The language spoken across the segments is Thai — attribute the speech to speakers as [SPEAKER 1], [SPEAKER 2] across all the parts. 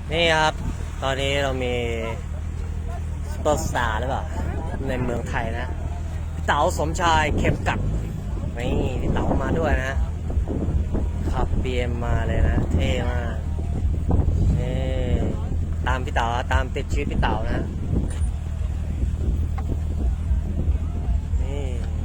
[SPEAKER 1] นี่ครับตอนนี้เรามีซุปเปอร์สตาร์หรือเปล่าในเมืองไทยนะพี่เต๋าสมชายเข็มกัดนี่พี่เต๋ามาด้วยนะขับ BM มาเลยนะเท่มากนี่ตามพี่เต๋าตามติดชีวิตพี่เต๋านะนี่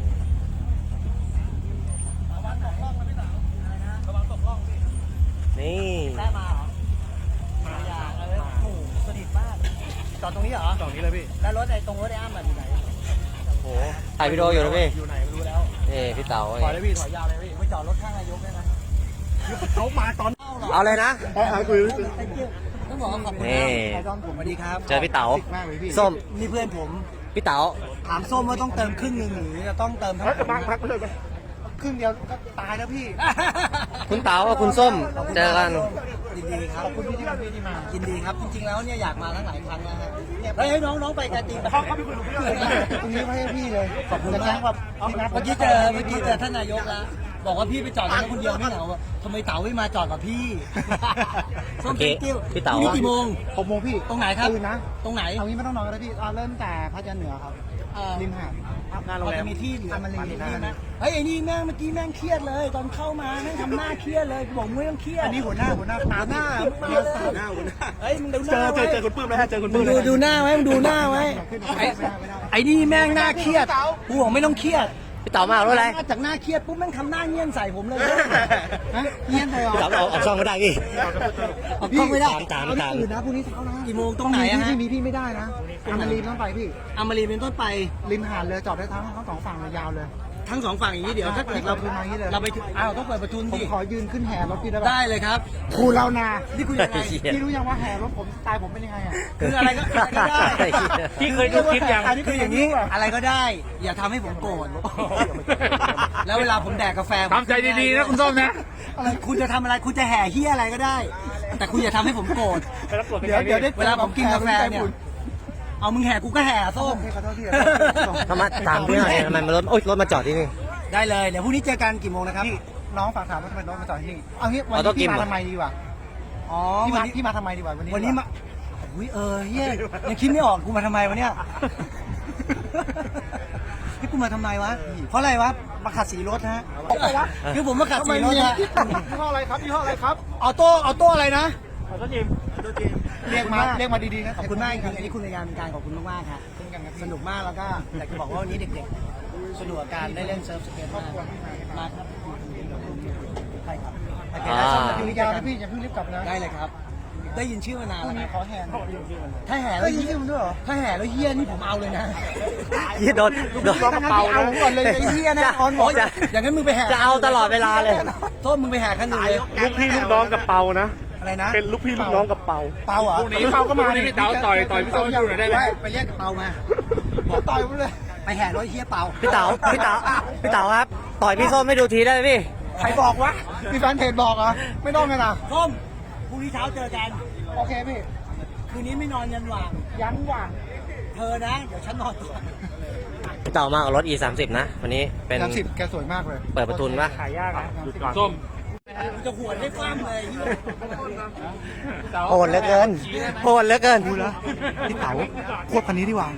[SPEAKER 1] นี่
[SPEAKER 2] ได้มาเหรอมาอย่างเลยโอ้โหสนิทมากจอดตรงนี้เหรอจอดนี้เลยพี่แล้วรถไอ้ตรงรถไอ้อ้ำอยู่ไหน
[SPEAKER 1] โอ้โหถ่ายวิดีโออยู่นะพี่
[SPEAKER 2] อยู่ไหนไม่รู้แล้ว
[SPEAKER 1] นี่พี่เต๋า
[SPEAKER 2] ถอยเลยพี่ถอยยาวเลยพี่ไม่จอดรถข้างนายกได้นะเขามาตอน
[SPEAKER 1] เอาเลยนะ
[SPEAKER 2] คุยต้องบอกขอบคุณครับสวัสดีครับ
[SPEAKER 1] เจอพี่เต๋าส้ม
[SPEAKER 2] นี่เพื่อนผม
[SPEAKER 1] พี่เต๋า
[SPEAKER 2] ถามส้มว่าต้องเติมครึ่งหนึ่งหรือจะต้องเติมทั้งพักเลยครึ่งเดียวก็ตายแล้วพี่
[SPEAKER 1] คุณเต๋ากับคุณส้มเจอกัน
[SPEAKER 2] ยินดีครับขอบคุณพี่ที่มายินดีครับจริงๆแล้วเนี่ยอยากมาทั้งหลายครั้งนะฮะให้น้องไปการตีเขาไปคุยกับพี่เลยตรงนี้ให้พี่เลยขอบคุณนะครับเมื่อกี้เจอท่านนายกแล้วบอกว่าพี่ไปจอดรถคนเดียวไม่เหงาทำไมเต๋าไม่มาจอดกับพี่
[SPEAKER 1] ส้มพี่เต๋า
[SPEAKER 2] นี่กี่โมง
[SPEAKER 3] 6 โมงพี่
[SPEAKER 2] ตรงไหนครับ
[SPEAKER 3] นะ
[SPEAKER 2] ตรงไหน
[SPEAKER 3] เอางี้ไม่ต้องนอนก็ได้พี่เริ่มแต่พัทยาเหนือครับริมหาด
[SPEAKER 2] เราจะมีที่เหลือมาลีนี่นะเฮ้ยไอ้นี่แม่งเมื่อกี้แม่งเครียดเลยตอนเข้ามาแม่งทำหน้าเครียดเลยบอกมึงไม่ต้องเครียด
[SPEAKER 3] อันนี้หัวหน้าตาหน้า
[SPEAKER 2] เฮ้ยมึงดูหน้า
[SPEAKER 3] เจอคุณปื้มแล้วเจอคุณปื้ม
[SPEAKER 2] ดูหน้าไว้มึงดูหน้าไว้ไอ้นี่แม่งหน้าเครียดกูบอกไม่ต้องเครียด
[SPEAKER 1] พี่เต๋ามาด้วยอะไร
[SPEAKER 2] จากหน้าเครียดปุ๊บแม่งทำหน้าเงี้ยนใส่ผมเลยเงี้ยนใส่
[SPEAKER 1] พี่เต๋าเอาช่องไม่ได้พี่
[SPEAKER 2] เอาช่องไม่ได้
[SPEAKER 1] ตาม
[SPEAKER 3] อื่นนะพรุ่งนี้เช้านะ
[SPEAKER 2] กี่โมงตรงไหนอะฮะ
[SPEAKER 3] ที่มีพี่ไม่ได้นะอามารีต้องไปพี่
[SPEAKER 2] อามารีเป็นต้นไป
[SPEAKER 3] ริมหาดเลยจอดได้ทั้ง2 ฝั่งเลยยาวเลย
[SPEAKER 2] ทั้ง2 ฝั่งอย่างนี้เดี๋ยวถ้าเกิดเราไปถึงต้องเปิดประตู
[SPEAKER 3] ผมขอยืนขึ้นแห่รถพี่ได้ไหม
[SPEAKER 2] ได้เลยครับ
[SPEAKER 3] คุณเรานา
[SPEAKER 2] นี่คุณยังไง
[SPEAKER 3] พี่รู้ยังว่าแห่รถผมสไตล์ผมเป็นยังไงอ่ะ
[SPEAKER 2] คืออะไรก็ได้
[SPEAKER 1] พี่เคยดูคลิปยัง
[SPEAKER 2] คืออย่างนี้อะไรก็ได้อย่าทำให้ผมโกรธแล้วเวลาผมแดกกาแฟ
[SPEAKER 1] ทำใจดีๆนะคุณส้มนะ
[SPEAKER 2] อะไรคุณจะทำอะไรคุณจะแห่เฮียอะไรก็ได้แต่คุณอย่าทำให้ผมโกรธ
[SPEAKER 3] เดี๋ยว
[SPEAKER 2] เวลาผมกินกาแฟเนี่ยเอามึงแห่กูก็แห่ส้ม
[SPEAKER 1] ทำไมถามพี่หน่อยทำไมรถมาจอดที่นี่
[SPEAKER 2] ได้เลยเดี๋ยวพรุ่งนี้เจอกันกี่โมงนะครับ
[SPEAKER 3] น้องฝากถามว่าทำไมรถมาจอดที่นี่เอางี้วันนี้พี่มาทำไมดีวะ
[SPEAKER 2] อ๋อ
[SPEAKER 3] พี่มาทำไมดีวะวัน
[SPEAKER 2] นี้มาอุ้ยเฮียยังคิดไม่ออกกูมาทำไมวะเนี่ยที่กูมาทำไมวะเพราะอะไรวะมาขัดสีรถฮะคือผมมาขัดสีรถฮะ
[SPEAKER 3] ยี่ห้ออะไรครับยี่ห้ออะไรครับ
[SPEAKER 2] ออโต้อะไรนะ
[SPEAKER 3] ออโต้จิมเรียกมาดีๆนะ
[SPEAKER 2] ขอบคุณมากจริงอันนี้คุณในงานเป็นการขอบคุณมากๆครับสนุกมากแล้วก็อยากจะบอกว่าวันนี้เด็กๆสนุกกับการได้เล่นเซิร์ฟสเก็ตมากครับใช่ครับ
[SPEAKER 3] อยู่ยาวนะพี่อย่าเพิ่งรีบกลับนะ
[SPEAKER 2] ได้เลยครับได้ยินชื่อมานานแล้ว
[SPEAKER 3] ขอแห่
[SPEAKER 2] ถ้าแห่แล้ว
[SPEAKER 3] เฮียมันด้วยเหรอ
[SPEAKER 2] ถ้าแห่แล้วเฮียนี่ผมเอาเลยนะ
[SPEAKER 1] เฮียโดน
[SPEAKER 3] กระเป๋าเอาก่อนเลย
[SPEAKER 2] เฮียนะออนบอกอย่างนั้นมึงไปแห่
[SPEAKER 1] จะเอาตลอดเวลาเลย
[SPEAKER 2] โทษมึงไปแห่ขั้นหนึ่งเลย
[SPEAKER 3] ลูกพี่ลูกน้องกับเปานะ
[SPEAKER 2] อะไรนะ
[SPEAKER 3] เป็นลูกพี่ลูกน้องกับเปา
[SPEAKER 2] เหรอ
[SPEAKER 3] พวกนี้เปาก็มาดิ
[SPEAKER 1] เต๋าต่อยพี่ส้มอยู่หน่อยได้ไหม
[SPEAKER 2] ไปเรียกเปามา
[SPEAKER 3] บอกต่อยไปเลย
[SPEAKER 2] ไปแห่รถเฮียเปา
[SPEAKER 1] พี่เต๋าครับต่อยพี่ส้มไม่ดูทีได้ไหมพี่
[SPEAKER 3] ใครบอกวะมีแฟนเพจบอกเหรอไม่ต้องกันนะ
[SPEAKER 2] ส้มพรุ่งนี้เช้าเจอกัน
[SPEAKER 3] โอเคพี่
[SPEAKER 2] คืนนี้ไม่นอนยันหว่างเธอนะเดี๋ยวฉันนอนก่อน
[SPEAKER 1] พี่เต๋ามากับรถ E30 นะวันนี้เป็น
[SPEAKER 3] 30แกสวยมากเลย
[SPEAKER 1] เปิดประตูป่ะ
[SPEAKER 3] ขายยากอ่ะ
[SPEAKER 1] ส้ม
[SPEAKER 2] จะหวนให้ฟ้ามเลย
[SPEAKER 1] โหดเหลือเกิน
[SPEAKER 3] ดูแล้วพี่เต๋าควบคันนี้ดีกว่า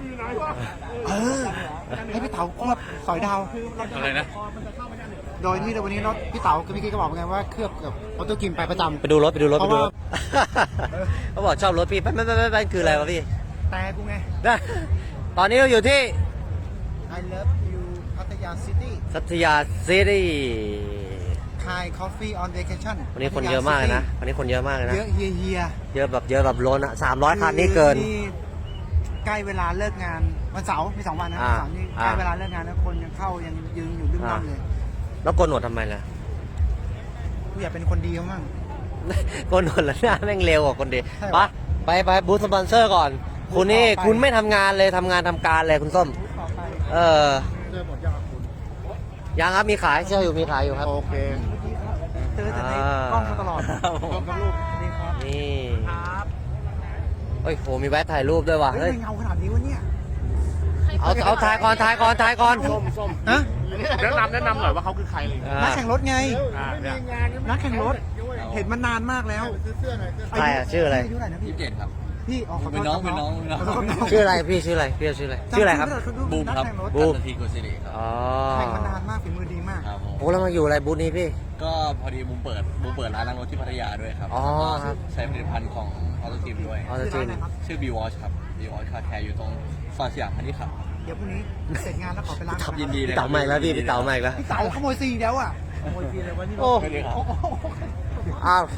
[SPEAKER 3] ให้พี่เต๋าควบสอยดาว
[SPEAKER 1] อะไรนะ
[SPEAKER 3] โดยที่วันนี้รถพี่เต๋ากับพี่กิ๊กก็บอกไงว่าเคลือบกับออโต้กิมไปประจำ
[SPEAKER 1] ไปดูรถเขาบอกชอบรถพี่ไม่คืออะไรวะพี่
[SPEAKER 3] แต่กูไง
[SPEAKER 1] ตอนนี้เราอยู่ที่
[SPEAKER 3] I love you พัทยาซิ
[SPEAKER 1] ตี้
[SPEAKER 3] Thai Coffee on Vacation
[SPEAKER 1] วันนี้คนเยอะมากเลยนะเยอะ
[SPEAKER 3] เฮีย
[SPEAKER 1] เยอะแบบล้นอ่ะ300 คันนี่เกิน
[SPEAKER 3] ใกล้เวลาเลิกงานวันเสาร์มี2 วันนะวันเสาร์นี่ใกล้เวลาเลิกงานแล้วคนยังเข้ายังยืนอยู่ดึ้งๆเลย
[SPEAKER 1] แล้วโกนหนวดทำไมล่ะ
[SPEAKER 3] กูอยากเป็นคนดีมั้ง
[SPEAKER 1] โกนหนวดแล้วหน้าแม่งเร็วกว่าคนดีไปบูธสปอนเซอร์ก่อนคุณไม่ทำงานเลยทำการเลยคุณส้ม
[SPEAKER 3] เจอหมด
[SPEAKER 1] ยังครับมีขายอยู่ครับ
[SPEAKER 3] โอเคเจอแต่ในกล้องมาตลอดกับลูกนี่ครับ
[SPEAKER 1] นี่ครับโอ้ยโหมีแวะถ่ายรูปด้วยว่ะ
[SPEAKER 3] เฮ้ยเงาขนาดนี้วะเนี่ย
[SPEAKER 1] เอาถ่ายก่อน
[SPEAKER 3] ส้มฮะแนะนำหน่อยว่าเขาคือใครเลย
[SPEAKER 2] นักแข่งรถไง
[SPEAKER 3] นักแข่งรถเห็นมานานมากแล้ว
[SPEAKER 1] ใครอ่ะชื่ออะไร
[SPEAKER 3] อายุเท่าไหร่นะพี่
[SPEAKER 2] 27ครับ
[SPEAKER 3] พี่อ๋อขอโทษ
[SPEAKER 2] เป็นน้อง
[SPEAKER 3] ครับ ขอโทษน้อง
[SPEAKER 1] ชื่ออะไรพี่ชื่ออะไรพี่ชื่ออะไรชื่ออะไรครับ
[SPEAKER 2] บูมครับ
[SPEAKER 1] บูม
[SPEAKER 2] กัตทีโกสิริครับ
[SPEAKER 1] อ๋อ
[SPEAKER 3] แข่งมานานมากฝีมือดีมาก
[SPEAKER 2] ครับผม
[SPEAKER 1] โอ้แล้วมาอยู่อะไรบูธนี้พี่
[SPEAKER 2] ก็พอดีบูมเปิดร้านล้างรถที่พัทยาด้วยครับ
[SPEAKER 1] อ๋อครับ
[SPEAKER 2] ใช้ผลิตภัณฑ์ของออโตทีมด้วย
[SPEAKER 1] อ๋อจริง
[SPEAKER 2] ชื่อ B Wash ครับ B Wash Car Care อยู่ตรงซอยสยามพาณิชย์ครับ
[SPEAKER 3] เดี๋ยวพรุ่งนี้เสร็จงานแล้วขอไปล้าง
[SPEAKER 2] ครับยินดีเลย
[SPEAKER 1] พี่เต๋าใหม่แล้วพี่เต๋าใหม่แล้ว
[SPEAKER 3] พี่เต๋าขโมยซีแล้วอ่ะขโมยซีเลยวันนี้
[SPEAKER 1] โอ้
[SPEAKER 2] ไม่ได้ครับ
[SPEAKER 1] อ้าว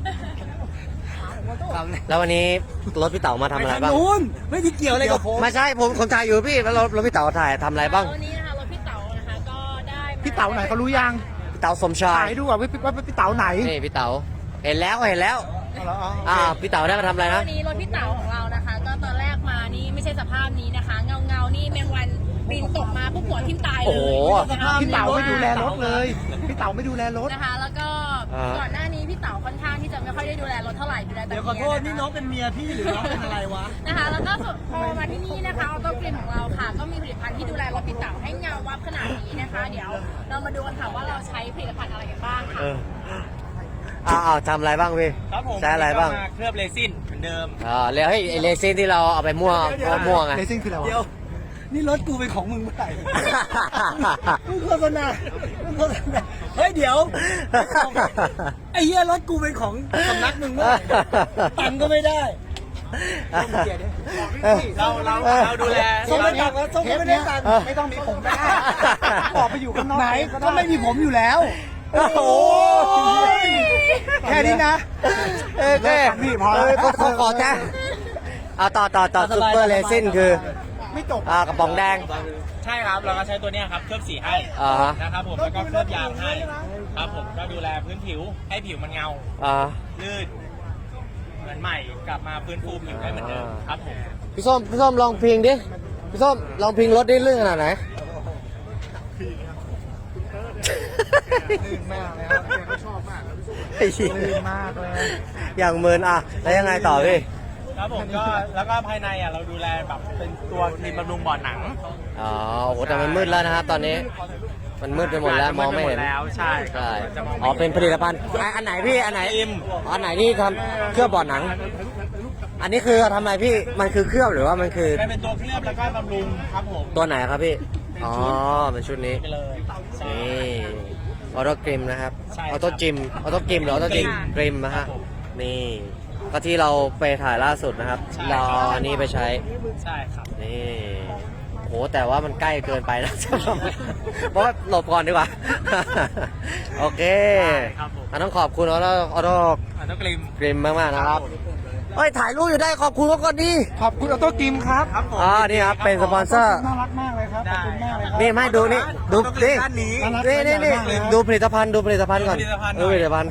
[SPEAKER 1] แล้ววันนี้รถพี่เต๋ามาทำอะไรบ้าง
[SPEAKER 3] นู้นไม่ได้เกี่ยวอะไรกับผม
[SPEAKER 1] ไม่ใช่ผมถ่ายอยู่พี่แล้วรถพี่เต๋าถ่ายทำอะไรบ้าง
[SPEAKER 4] วันนี้นะคะรถพี่เต๋านะคะก็ได้มา
[SPEAKER 3] พี่เต๋าไหนเขารู้ยัง
[SPEAKER 1] พี่เต๋าสมชาย
[SPEAKER 3] ถ่ายดูอ่ะว่าพี่เต๋าไหน
[SPEAKER 1] นี่พี่เต๋าเห็นแล้ว
[SPEAKER 3] เอาเหรออ๋อ
[SPEAKER 1] พี่เต๋าได้มาทำอะไรนะ
[SPEAKER 4] วันนี้รถพี่เต๋าของเรานะคะ ก็ตอนแรกมานี่ไม่ใช่สภาพนี้นะคะ เงานี่แมงวันบินตกมาปุ๊บหัวทิ่มตายเลย
[SPEAKER 1] โอ้โห
[SPEAKER 4] นะคะ
[SPEAKER 3] พี่เต๋าไม่ดูแลรถเลยพี่เต๋าไม่ดูแลรถ
[SPEAKER 4] นะคะ แล้วก็
[SPEAKER 1] อ่า
[SPEAKER 4] ก่อนหน้านี้พี่เต๋าค่อนข้างที่จะไม่ค่อยได้ดูแลรถเท่าไหร่ดูแลแต่
[SPEAKER 2] เดี๋ยวขอโทษนี่น้องเป็นเมียพี่หรือน้องเป็นอะไรวะ
[SPEAKER 4] นะคะ แล้วก็พอมาที่นี่นะคะออโต้กลิ่นของเราค่ะ ก็มีผลิตภัณฑ์ที่ดูแลรถพี่เต๋าให้เงาวับขนาดนี้นะคะ เดี๋ยวเรามาดูกันค่ะว่าเราใช้ผลิตภัณฑ์อะไรกันบ้างค่ะ
[SPEAKER 1] ทำอะไรบ้างพี่
[SPEAKER 2] ครับผม
[SPEAKER 1] ใช้อะไรบ้าง
[SPEAKER 2] เคลือบเรซินเหมือนเดิม
[SPEAKER 1] แล้วให้ไอ้เรซินที่เราเอาไปมั่วไง
[SPEAKER 3] เลซิ่งคืออะไรวะ
[SPEAKER 2] เดี๋ยว นี่รถกูเป็นของมึงเมื่อไหร่มึงโฆษณาเฮ้ยเดี๋ยว ไอ้เหี้ยรถกูเป็นของสำนักมึงเมื่อไหร่ตังค์ก็ไม่ได้ เราดูแล
[SPEAKER 3] ส้มไม่ตังแล้วส้มไม่ได้ตังไม่ต้องมีผมก็ได้ออกไปอยู่ข้างนอกไหนก็ไม่มีผมอยู่แล้ว
[SPEAKER 1] โอ้โห
[SPEAKER 3] แค่นี้นะ
[SPEAKER 1] พี่พอแล้วขอจ้าต่อซุปเปอร์เรซินคือ
[SPEAKER 3] ไม่จบ
[SPEAKER 1] กระป๋องแดง
[SPEAKER 5] ใช่ครับเราก็ใช้ตัวเนี้ยครับเคลือบสีให้
[SPEAKER 1] ฮะ
[SPEAKER 5] นะครับผมแล้วก็เคลือบยางให้ครับผมก็ดูแลพื้นผิวให้ผิวมันเงา ลื่นเหมือนใหม่กลับมาฟื้นฟูผิวได้เหมือนเดิมครับผม
[SPEAKER 1] พี่ส้มลองพิงดิพี่ส้มลองพิงรถได้ลื่นขนาดไหน
[SPEAKER 3] ลื่นมากเลยครับแกก็ชอบมากลื่นมากเลย
[SPEAKER 1] อย่างเมินแล้วยังไงต่อพี่
[SPEAKER 5] ครับผมก็แล้วก็ภายในเราดูแลแบบเป็นตัวครีมบำรุงบ่อหนัง
[SPEAKER 1] โอ้โหแต่มันมืดแล้วนะครับตอนนี้ มันมืดไปหมดแล้วมองไม่เห็น
[SPEAKER 5] แล้วใช่
[SPEAKER 1] ใช่
[SPEAKER 5] จะมอง
[SPEAKER 1] เป็นผลิตภัณฑ์อันไหนพี่อันไหนอันไหนที่ทำเคลือบบ่อหนัง อันนี้คือทำอะไรพี่มันคือเคลือบหรือว่ามันคือ
[SPEAKER 5] เป็นตัวเคลือบแล้วก็บำรุงครับผม
[SPEAKER 1] ตัวไหนครับพี่อ๋อเป็นชุดนี้
[SPEAKER 5] ไปเลยใช่
[SPEAKER 1] นี่ออโต้กริมนะครับ
[SPEAKER 5] ใช่
[SPEAKER 1] ออโต้จิมหรือออโต้กริมนะฮะนี่ก็ที่เราไปถ่ายล่าสุดนะครับเราเอาอันนี้ไปใช้
[SPEAKER 5] ใช่ครับ
[SPEAKER 1] นี่โหแต่ว่ามันใกล้เกินไปนะ เพราะว่าหลบก่อนดีกว่า โอเค
[SPEAKER 5] ครับผม
[SPEAKER 1] ต้องขอบคุณออโต้
[SPEAKER 5] ต้องกลิม
[SPEAKER 1] กริมมากๆนะครับเฮ้ยถ่ายรูปอยู่ได้ขอบคุณเขาก่อนดิ
[SPEAKER 3] ขอบคุณออโต้กิมครับ
[SPEAKER 5] ครับผม
[SPEAKER 1] นี่ครับเป็นสปอนเซอร์
[SPEAKER 3] น่ารักมากเลยครับขอบคุณมากเลยครับ
[SPEAKER 1] นี่ไม่ดูนี่ดูนี่
[SPEAKER 5] ด้านนี้
[SPEAKER 1] นี่ดูผลิตภัณฑ์ก่อน
[SPEAKER 5] ผลิตภัณฑ์หน่
[SPEAKER 1] ดู
[SPEAKER 5] อย
[SPEAKER 1] ผลิตภัณฑ์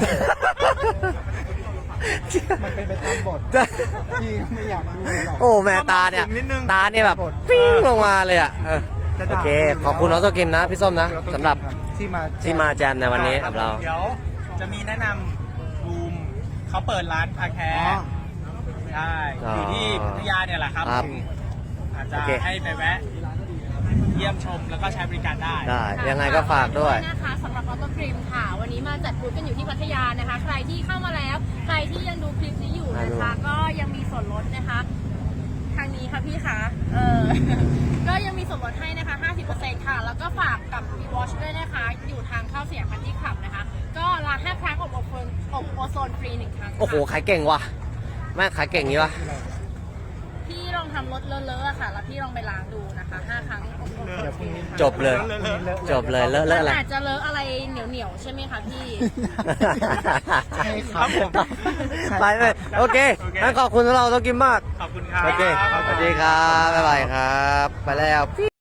[SPEAKER 3] มันเป็นไปตามบทพี่ไม่อยากดูหรอก
[SPEAKER 1] โอ้แม่ตาเนี่ยแบบปิ้งลงมาเลยอ่ะโอเคขอบคุณออโต้กิมนะพี่ส้มนะสำหรับ ที่มาแจมในวันนี้กับเรา
[SPEAKER 5] เดี๋ยวจะมีแนะนำบูมเขาเปิดร้านคาแคร์ใช่อยู่ที่พัทยาเนี่ยแหละครับ
[SPEAKER 1] ครับ
[SPEAKER 5] อาจจะ
[SPEAKER 1] โอเค
[SPEAKER 5] ให้ไปแวะเยี่ยมชมแล้วก็ใช้บริการได้
[SPEAKER 1] ได้ยังไงก็ฝากด้วย
[SPEAKER 4] นะคะสำหรับออโต้ครีมค่ะ วันนี้มาจัดบูธกันอยู่ที่พัทยานะคะ ใครที่เข้ามาแล้ว ใครที่ยังดูคลิปนี้อยู่นะคะ ก็ยังมีส่วนลดนะคะ ทางนี้ค่ะพี่คะก็ยังมีส่วนลดให้นะคะ 50% ค่ะ แล้วก็ฝากกับ V Watch ด้วยนะคะ อยู่ทางเข้าเสียงพันที่ขับนะคะ ก็ล้าง5ครั้งอบโอโซนฟรี1ครั้งค่ะ
[SPEAKER 1] โอ้โหขายเก่งว่ะแม่ขายเก่งนี้วะ
[SPEAKER 4] พี่ลองทำรถเลอะๆอะค่ะ แล้วพี่ลองไปล้างดูนะคะ5ครั้งอบโอโซนฟรี
[SPEAKER 1] จบเลยเลอะ
[SPEAKER 4] มัน
[SPEAKER 1] อะไร
[SPEAKER 4] อาจจะเลอะอะไรเหนียวๆใช่ไหมคะพี่
[SPEAKER 3] ใช่ครับผม
[SPEAKER 1] ไปเลยโอเคงั้นขอบคุณสำหรับเราต้องกินมาก
[SPEAKER 5] ขอบคุณครับ
[SPEAKER 1] โอเคสวัสดีครับบ๊ายบายครับ ไปแล้ว